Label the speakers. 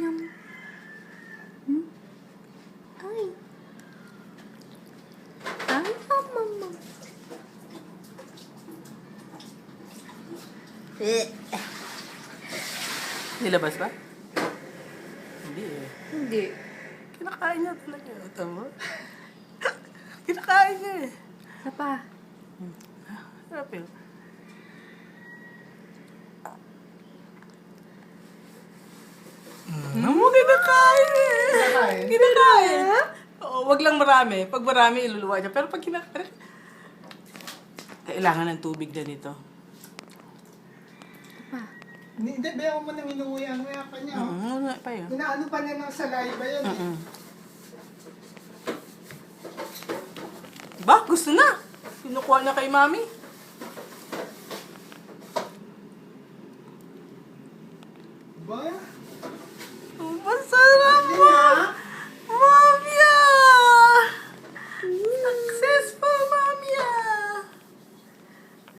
Speaker 1: yum. Hmm? Ay. Ay, mama.
Speaker 2: Nilabas ba? Hindi eh.
Speaker 1: Hindi.
Speaker 2: Kinakain niya talaga. Tama? Kinakain niya eh.
Speaker 1: Isa pa.
Speaker 2: Sarap yun. Mo kinakain eh.
Speaker 3: Kinakain?
Speaker 2: Kinakain. Oo, wag lang marami. Pag marami, iluluwa niya. Pero pag kinakain, kailangan ng tubig na nito.
Speaker 1: Isa pa.
Speaker 3: Hindi, bayaw mo nang inuwi-nguya pa niya. Oh.
Speaker 2: Ano pa yun?
Speaker 3: Inaano pa niya ng saliva yun. Eh.
Speaker 2: Ba, gusto na. Kinukuha niya kay mami.
Speaker 3: Ba?